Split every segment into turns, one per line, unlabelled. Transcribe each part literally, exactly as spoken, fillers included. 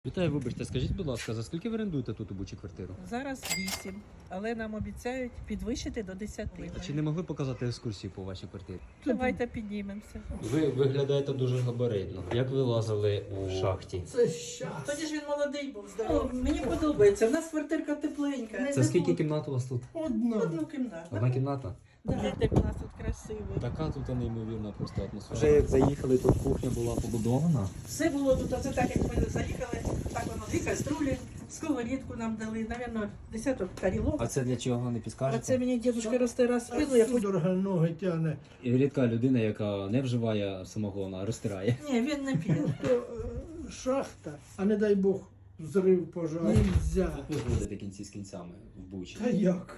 Вітаю, вибачте, скажіть, будь ласка, за скільки ви орендуєте тут у Бучі квартиру?
Зараз вісім, але нам обіцяють підвищити до десяти.
А чи не могли показати екскурсію по вашій квартирі?
Давайте піднімемося.
Ви виглядаєте дуже габаритно. Як ви лазили у шахті?
Це щас.
Тоді ж він молодий був, здоровий. Мені подобається, в нас квартирка тепленька.
Це скільки кімнат у вас тут?
Одна.
Одну кімнату.
Одна кімната?
Да, як у нас тут красиво.
Така тут неймовірна просто атмосфера. Вже як заїхали, тут кухня була побудована.
Все було тут, оце так, як ми заїхали, так воно, дві каструлі, сковорідку нам дали, навірно, десяток тарілок.
А це для чого не
А
підскажете?
це мені дідусь розтира спину, я хоч...
Судорога ноги тягне.
І рідка людина, яка не вживає самогона, а розтирає.
Ні, він не п'є.
То е, шахта, а не дай Бог, взрив, пожар. Нельзя.
Як ви зводите кінці з кінцями в Бучі?
Та як?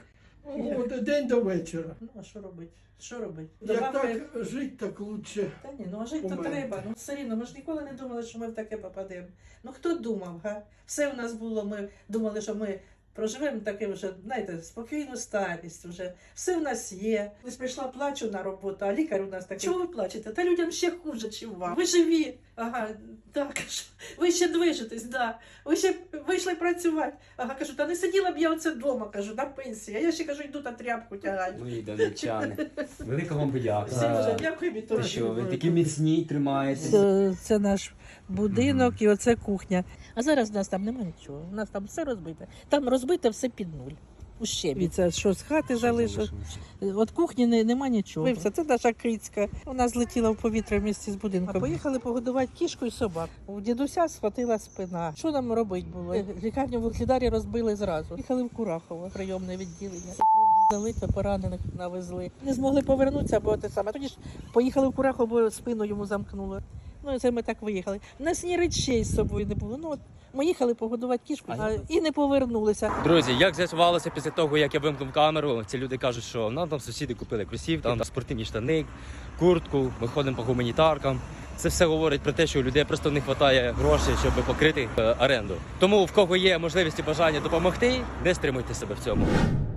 От день до вечора.
Ну, а що робити? Що робити?
Як
Добавки-
так жити, так лучше.
Та ні, ну а жити то
Помер.
треба. Ну все рівно, ми ж ніколи не думали, що ми в таке попадемо. Ну хто думав, га? Все в нас було, ми думали, що ми проживемо таке вже, знаєте, спокійну старість вже. Все в нас є. Ось прийшла, плачу на роботу, а лікар у нас такий. Чого ви плачете? Та людям ще хуже, чим вам. Ви живі. Ага, так, кажу. Ви ще движетесь, да. Ви ще вийшли працювати. Ага, кажу, та не сиділа б я оце вдома, кажу, на пенсії. А я ще кажу, йду та тряпку тягаю.
Мої донеччани. Велика вам подяка.
Сережа, дякую від того,
Ти
що
що,
ви
ви
були
такі
тут.
міцні, тримаєтесь.
Це, це наш будинок і оце кухня. А зараз в нас там немає нічого. У нас там все розбите. Там розбите все під нуль. У щебі. Це що з хати залишилось. От кухні не, нема нічого. Все, це наша крицька. Вона злетіла в повітря в місті з будинком. А поїхали погодувати кішку і собак. У дідуся схватила спина. Що нам робити було? Лікарню в Угледарі розбили зразу. Їхали в Курахово, прийомне відділення. Залите, поранених навезли. Не змогли повернутися, бо те саме. Тоді ж поїхали в Курахово, бо спину йому замкнуло. Ну і це ми так виїхали. У нас ні речей з собою не було. Ну от ми їхали погодувати кішку а, і не повернулися.
Друзі, як з'ясувалося після того, як я вимкнув камеру, ці люди кажуть, що нам там сусіди купили кросівки, там спортивні штани, куртку, ми ходимо по гуманітаркам. Це все говорить про те, що у людей просто не вистачає грошей, щоб покрити е, оренду. Тому в кого є можливість і бажання допомогти, не стримуйте себе в цьому.